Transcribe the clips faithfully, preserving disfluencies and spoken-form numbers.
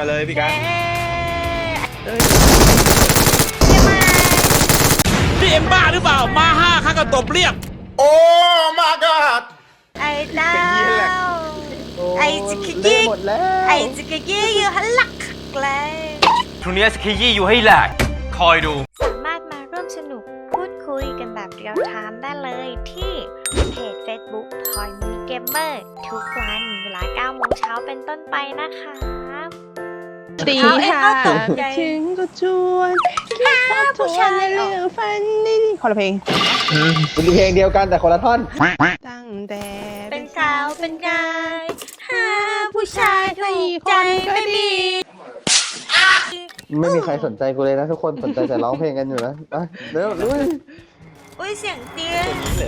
มาเลยพี่กันนี่เอ็มบ้าหรือเปล่ามาห้าข้าก็ตบเรียกโอ้มากัดไอ้ดาวไอ้จิกกี้ไอ้จิกกี้อยู่หันหลักเลยทุนนี้สกียี่อยู่ให้แหลกคอยดูสามารถมาร่วมสนุกพูดคุยกันแบบเรียลไทม์ได้เลยที่เพจ Facebook ทอยมีเกมเมอร์ทุกวันเวลาเก้าโมงเช้าเป็นต้นไปนะคะตีห้าถึงก็ชวนคิดทบทวนในเรื่องฝันนี่คนละเพลงเป็นเพลงเดียวกันแต่คนละท่อนตั้งแต่เป็นสาวเป็นกายหาผู้ชายถูกใจไม่มีไม่มีใครสนใจกูเลยนะทุกคนสนใจแต่ร้องเพลงกันอยู่นะเร็วลุยอุ้ยเสียงเตี้ย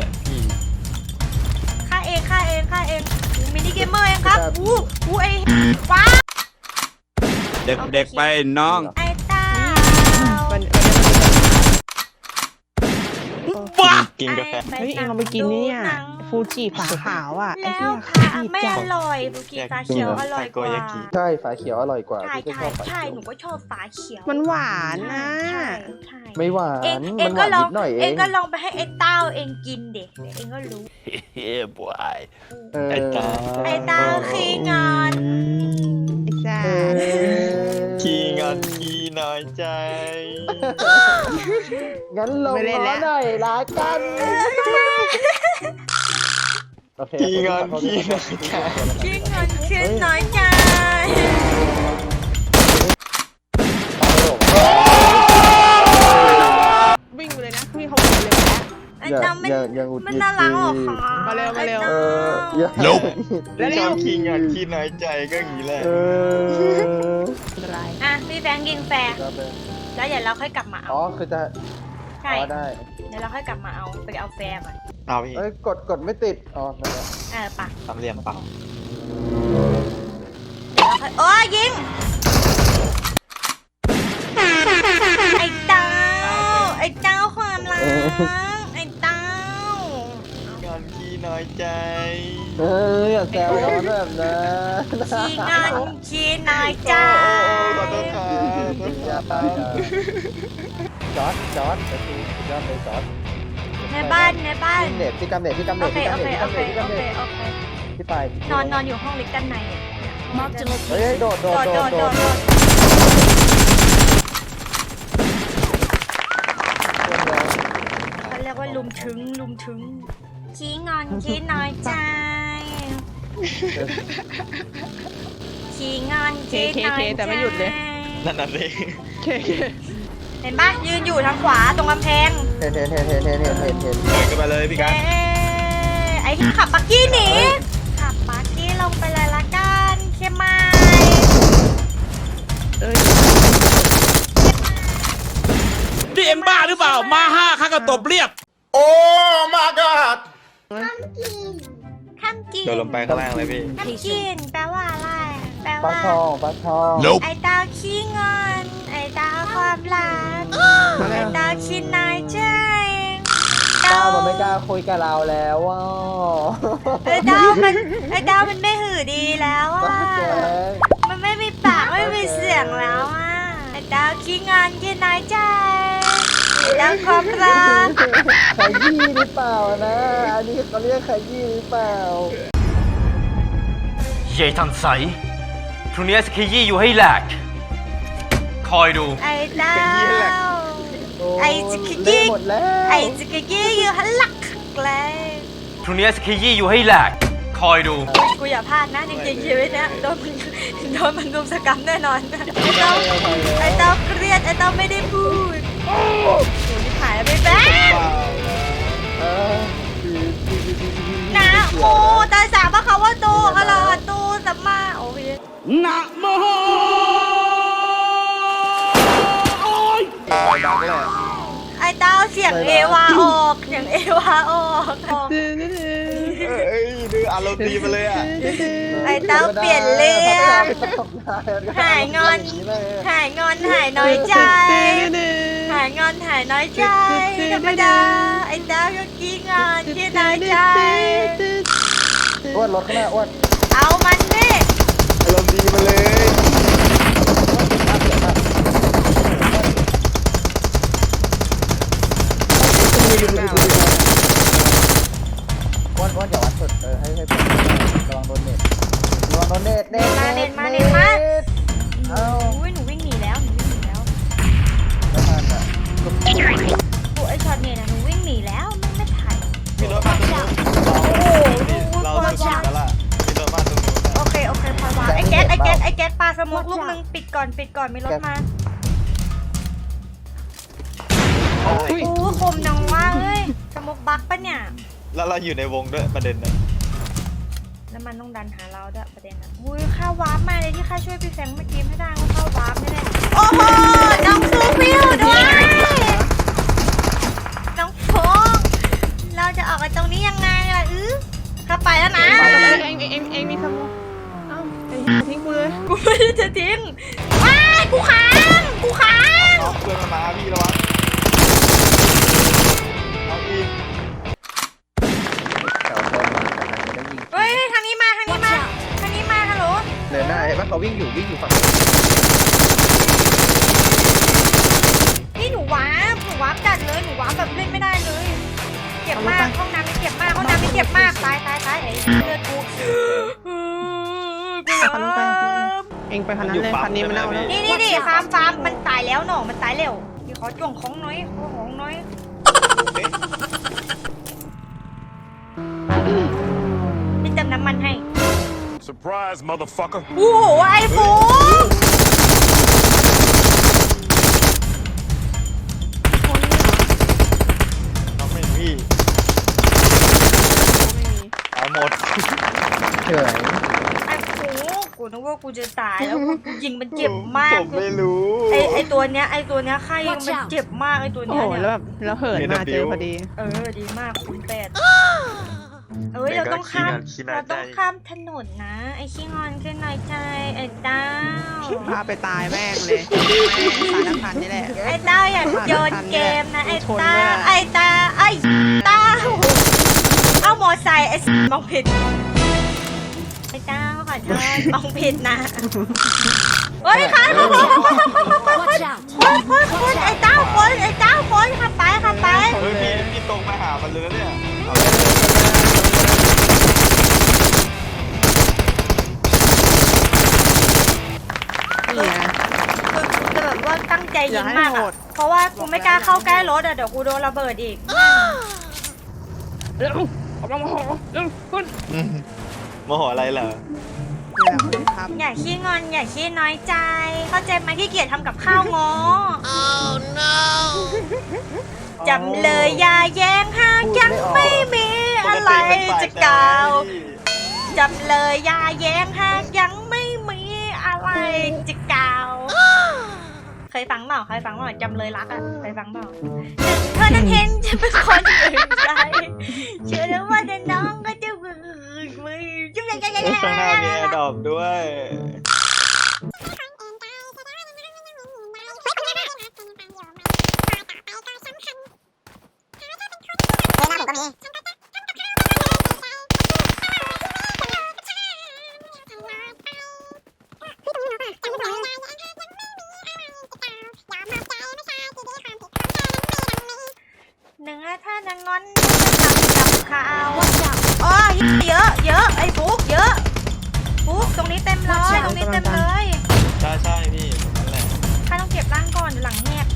ข้าเองข้าเองข้าเองมินิเกมเมอร์เองครับอู้อู้ไอ้ว้าเด็กๆไปน้องไอ้ตาบ้ากินกาแฟเฮ้ยเอ็งเราไปกินนี่อ่ะฟูจิฝาขาวอ่ะไอ้ที่ค่ะไม่อร่อยฟูจิฝาเขียวอร่อยกว่าใช่ฝาเขียวอร่อยกว่าใช่ใช่ใช่หนูก็ชอบฝาเขียวมันหวานนะไม่หวานเอ็งก็ลองเอ็งก็ลองไปให้ไอ้เต้าเอ็งกินเด็กเอ็งก็รู้เฮ้ยบอยไอ้เต้าไอ้เต้าขี้งอนขี้งอนขี้น้อยใจงั้นลงล้อหน่อยละกันขี้งอนขี้น้อยใจขี้งอนขี้น้อยใจวิ่งไปเลยนะวิ่งเขาวิ่งเลยไอ้เต้ามันมันน่ารักหรอคะมาเร็วมาเร็วลบแล้วชอบขี้งอนขี้น้อยใจก็อย่างนี้แหละอ่ะมีแฟงยิงแฟร์แล้วเดี๋ยวเราค่อยกลับมาเอาอ๋อคือจะใช่ได้เดี๋ยวเราค่อยกลับมาเอาไปเอาแฟร์ก่อนเอาพี่เอ้ยกดกดไม่ติดอ๋อนั่นแหละเออปะทำเรียมเปล่าเดี๋ยวเราค่อยโอ้ยิงไอ้เต้าไอ้เต้าความรักไอ้เต้างอนขี้น้อยใจเอออย่าแซวเขาแบบนั้นขี้งอนขี้น้อยใจขอโทษครับอย่าตายจอดจอดไปทีจอดเลยจอดในบ้านในบ้านเน็ตที่กำเน็ตที่กำเน็ตที่กำเน็ตที่กำเน็ตที่กำเน็ตที่ไปนอนนอนอยู่ห้องเล็กด้านในเฮ้ยโดดโดดโดดโดดเขาเรียกว่าลุมถึงลุมถึงขี้งอนขี้น้อยใจขี้งอนขี้น้อยใจแต่ไม่หยุดเลยนั่นน่ะสิเห็นปะยืนอยู่ทางขวาตรงกำแพงเห็นเห็นเห็นเห็นเห็นเห็นเห็นเห็นเห็นมาเลยพี่กันไอ้ขับปักกี้หนีขับปักกี้ลงไปเลยละกันเข้มไม้นี่เอ็มบ้าหรือเปล่ามาห้าข้าก็ตบเรียกโอ้มากัดข้ามกินข้ามกินโดนลงไปข้างล่างเลยพี่ข้ามกินแปลว่าอะไรแปลว่าปลาทองปลาทองไอ้ดาวขี้งอนไอ้ดาวความรักไอ้ดาวขี้น้อยใจดาวมันไม่กล้าคุยกับเราแล้วว่ะไอ้ดาวมันไอ้ดาวมันไม่หือดีแล้วอ่ะมันไม่มีปากไม่มีเสียงแล้วอ่ะไอ้ดาวขี้งอนขี้น้อยใจไอ้ดาวความรักขยี้หรือเปล่านะอันนี้เขาเรียกขยี้หรือเปล่าเย่ทันใสทุนนี้สกียี่อยู่ให้แหลกคอยดูไอ้ดาวไอ้จิกกี้ไอ้จิกกี้อยู่หันหลักเลยทุนนี้สกียี่อยู่ให้แหลกคอยดูกูอย่าพลาดนะจริงๆชีวิตเนี้ยโดนโดนมันรุมสกรรมแน่นอนไอ้เต้าไอ้เต้าเครียดไอ้เต้าไม่ได้พูดโอ้ยนี่ขายไปแป๊บนะโมตาสาพระคาวะโตอะระหะโตสัมมาโอเคนะโมไอ้เต้าเสียงเอวาออกเสียงเอวาออกเอ้ยดูอารมณ์ดีมาเลยอ่ะไอ้เต้าเปลี่ยนเรื่องหายงอนหายงอนหายน้อยใจหายงอนหายน้อยใจธรรมดาไอ้เต้าก็ขี้งอนขี้น้อยใจอ้วนรถข้างหน้าอ้วนเอามันดิอารมณ์ดีมาเลยแก๊สปลาสโมกลูกนึงปิดก่อนปิดก่อนมีรถมาโอ้คมจังว่าเอ้ยสโมกบักปะเนี่ยแล้วเราอยู่ในวงด้วยประเด็นน่ะแล้วมันต้องดันหาเราด้วยประเด็นอ่ะอุ้ยข้าววาร์ปมาเลยที่ข้าช่วยพี่แฟงเมื่อกี้ไม่ได้ก็ข้าววาร์ปไม่ได้โอ้โหน้องซูฟิวด้วยน้องโฟงเราจะออกไปตรงนี้ยังไงล่ะอื้อเข้าไปแล้วนะเองเองเองเองมีสมองเอ้าเองทิ้งกูเลยกูไม่ได้จะทิ้งว้ายกูค้างกูค้างเอาเพื่อนมันมาพี่ระวังเอาอีกเก่าคนมาแล้วยิงเฮ้ยทางนี้มาทางนี้มาทางนี้มาฮัลโหลเดินได้ว่าเขาวิ่งอยู่วิ่งอยู่ฝั่งนี่หนูวาร์ปหนูวาร์ปจัดเลยหนูวาร์ปแบบเล่นไม่ได้เลยเจ็บมากห้องน้ำไม่เจ็บมากห้องน้ำไม่เจ็บมากตายตายตายไอ้เลือดกูกูคันนู้นไปเองไปคันนั้นเลยคันนี้มันเน่าแล้วนี่นี่นี่ฟาร์มฟาร์มมันตายแล้วหนอมันตายเร็วเดี๋ยวขอจ่วงของน้อยขอของน้อยพี่เติมน้ำมันให้ Surprise, motherfucker. โอ้โหไอ้ฟูน้องไม่พี่ตายหมดเฉยไอ้ฟูกูนึกว่ากูจะตายแล้วกูยิงมันเจ็บมากผมไม่รู้ไอไอตัวเนี้ยไอตัวเนี้ยไข้มันเจ็บมากไอตัวโอ้เนี้ยโหเนี่ยแล้วแบบแล้วเหินมาเจอพอดีเออดีมากคุณแปดเอ้ยเราต้องข้ามเราต้องข้ามถนนนะไอขี้งอนขึ้นหน่อยใจไอเต้าพาไปตายแม่งเลยตายน้ำพันนี่แหละไอเต้าอย่าโยนเกมนะไอเต้าไอตาไอเต้าเอามอไซค์ไอมองผิดไอเต้าขอโทษมองผิดนะเฮ้ยค่ะคนคนคนคนไอเต้าคนไอเต้าคนขับไปขับไปเฮ้ยพี่พี่ตรงมาหามันเลยเนี่ยเอานี่ไงคือแบบว่าตั้งใจยิงมากอะเพราะว่ากูไม่กล้าเข้าใกล้รถอะเดี๋ยวกูโดนระเบิดอีกเร็วออกมาโมโหเร็วคุณโมโหอะไรเหรอนี่แหละคุณครับอย่าขี้งอนอย่าขี้น้อยใจ เข้าใจไหมขี้เกียจทำกับข้าวงอ oh no จำเลยอย่าแย้งหากยังไม่มีอะไรจะกล่าวจำเลยอย่าแย้งหากยังไม่มีอะไรจะกล่าวเคยฟังเปล่าเคยฟังเปล่าจำเลยรักอะเคยฟังเปล่าเธอนั้นเห็นจะเป็นคนอื่นใจเชื่อแล้วว่าแต่น้องก็จะมือมือจุ๊บยังยังยังข้างหน้ามีแอร์ดรอปด้วยหนึ่งถ้าจะงอนจะทำกับข้าวอ๋อเยอะเยอะไอ้ฟุกเยอะฟุกตรงนี้เต็มเลยตรงนี้เต็มเลยใช่ใช่พี่นั่นแหละข้าต้องเก็บร่างก่อนหลังแหก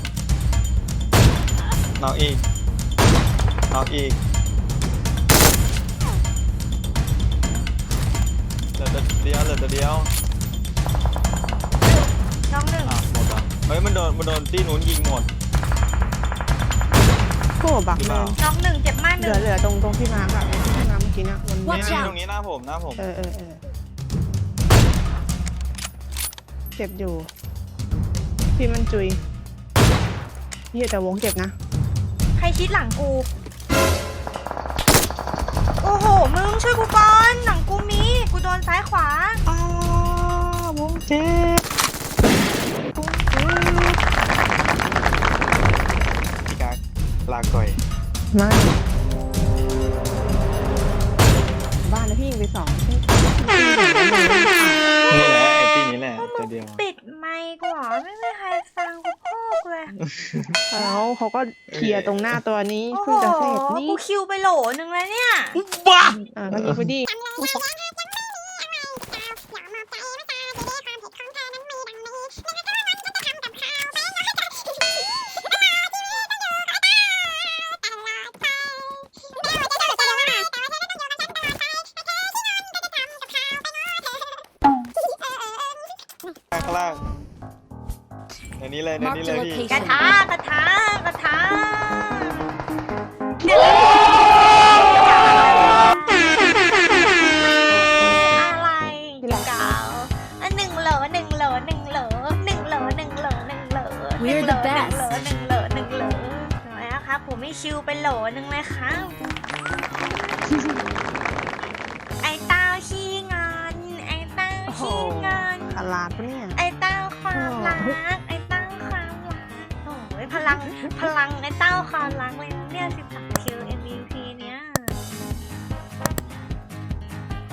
น้องอีกน้องอีกเหลือตัวเดียวเหลือตัวเดียวน้องหนึ่งอ่ะหมดอ่ะเฮ้ยมันโดนมันโดนที่นู้นยิงหมดโอ้บักเลยน้องหนึ่งเจ็บมากหเหนึ่ลือง เหลือตรงตรงที่มาร์กอะที่มาร์กเมื่อกี้นะมันนี่นี่ตรงนี้หน้าผมหน้าผมเออเออเออเจ็บอยู่ พี่มันจุยพี่แต่วงเจ็บนะใครคิดหลังกู โอ้โหมึงช่วยกูก่อนหลังกูมีกูโดนซ้ายขวาอ้าวงเจ็บวงเจ็บพี่กากลาก่อยไม่บ้านแล้วพี่ยิงไปสองที่นี่แหละไอ้ที่นี้แหละตัวเดียวปิดไมค์กูเหรอไม่มีใครฟังกูพูดเลยแล้วเขาก็เคลียร์ตรงหน้าตัวนี้โอ้โหเพิ่งจะเสร็จนี่กูคิวไปโหลนึงแล้วเนี่ยอ่าก็ยิงไปดิเนี้เลยในนี้เลยพี่กระทะกระทะกระทะอะไรเก่าอันหนึ่งโหลหนึ่งโหลหนึ่งโหลหนึ่งโหลหนึ่งโหลหนึ่งโหล We're the best หนึ่งโหลหนึ่งโหลน้อยนะครับผมไม่ชิวไปโหลหนึ่งเลยครับไอ้เต้าขี้งอนไอ้เต้าขี้งอนขลาดปะเนี่ยไอ้เต้าความรักไอ้เต้าความรักโอ้ยพลังพลังไอ้เต้าความรักเลยนะเนี่ยสิบสาม